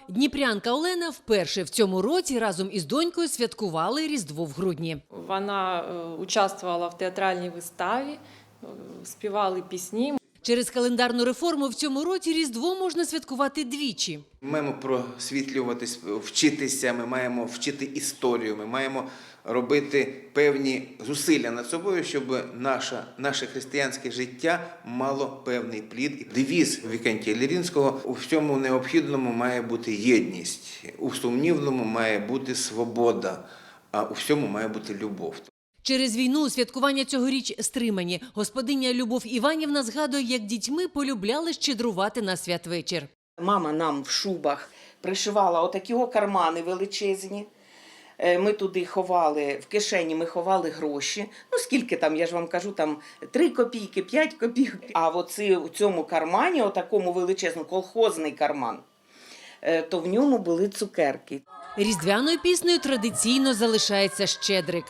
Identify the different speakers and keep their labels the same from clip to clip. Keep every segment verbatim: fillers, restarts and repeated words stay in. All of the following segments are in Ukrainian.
Speaker 1: Дніпрянка Олена вперше в цьому році разом із донькою святкували Різдво в грудні.
Speaker 2: Вона участвувала в театральній виставі, співали пісні.
Speaker 1: Через календарну реформу в цьому році Різдво можна святкувати двічі.
Speaker 3: Ми маємо просвітлюватись, вчитися, ми маємо вчити історію, ми маємо робити певні зусилля над собою, щоб наше, наше християнське життя мало певний плід. Девіз Вікентія Лірінського: у всьому необхідному має бути єдність, у сумнівному має бути свобода, а у всьому має бути любов.
Speaker 1: Через війну святкування цьогоріч стримані. Господиня Любов Іванівна згадує, як дітьми полюбляли щедрувати на святвечір.
Speaker 4: Мама нам в шубах пришивала отакі о кармани величезні. Ми туди ховали, в кишені ми ховали гроші. Ну, скільки там, я ж вам кажу, там три копійки, п'ять копійок. А оці, у цьому кармані, отакому величезному, колхозний карман, то в ньому були цукерки.
Speaker 1: Різдвяною піснею традиційно залишається «Щедрик».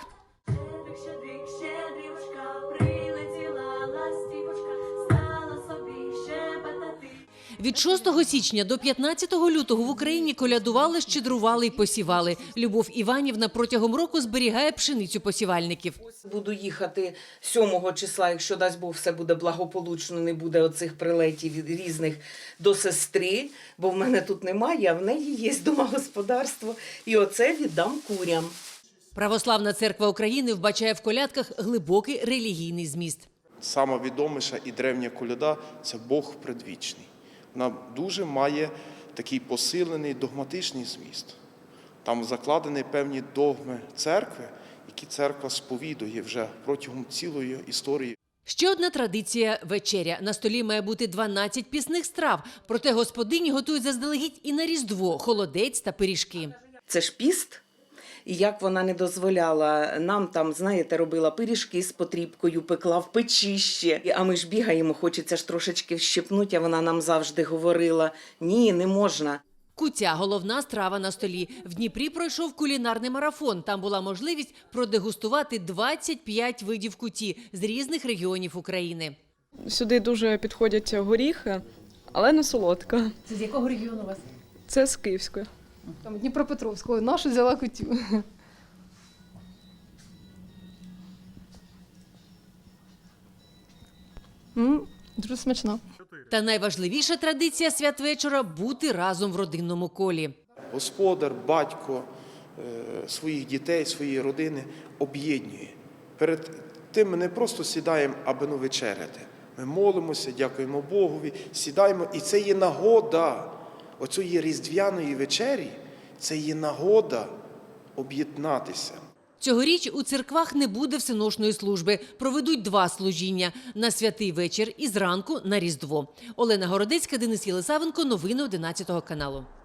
Speaker 1: Від шостого січня до п'ятнадцятого лютого в Україні колядували, щедрували і посівали. Любов Іванівна протягом року зберігає пшеницю посівальників.
Speaker 4: Буду їхати сьомого числа, якщо дасть Бог, все буде благополучно, не буде оцих прилетів різних, до сестри, бо в мене тут немає, а в неї є домогосподарство. І оце віддам курям.
Speaker 1: Православна церква України вбачає в колядках глибокий релігійний зміст.
Speaker 5: Сама відоміша і древня коляда – це Бог предвічний. Вона дуже має такий посилений догматичний зміст. Там закладені певні догми церкви, які церква сповідує вже протягом цілої історії.
Speaker 1: Ще одна традиція – вечеря. На столі має бути дванадцять пісних страв. Проте господині готують заздалегідь і на Різдво – холодець та пиріжки.
Speaker 4: Це ж піст. І як вона не дозволяла нам там, знаєте, робила пиріжки з потрібкою, пекла в печі ще. А ми ж бігаємо, хочеться ж трошечки вщипнути, а вона нам завжди говорила: ні, не можна.
Speaker 1: Куття – головна страва на столі. В Дніпрі пройшов кулінарний марафон. Там була можливість продегустувати двадцять п'ять видів куті з різних регіонів України.
Speaker 6: Сюди дуже підходять горіхи, але не солодка.
Speaker 7: Це з якого регіону у вас?
Speaker 6: Це з Київської.
Speaker 7: Там Дніпропетровського. Нашу взяла кутю. М, Дуже смачно.
Speaker 1: Та найважливіша традиція святвечора – бути разом в родинному колі.
Speaker 5: Господар, батько своїх дітей, своєї родини об'єднує. Перед тим ми не просто сідаємо, аби ну вечеряти. Ми молимося, дякуємо Богові, сідаємо. І це є нагода оцієї різдвяної вечері, це є нагода об'єднатися.
Speaker 1: Цьогоріч у церквах не буде всеношної служби. Проведуть два служіння – на святий вечір і зранку на Різдво. Олена Городецька, Денис Єлисавенко. Новини одинадцятого каналу.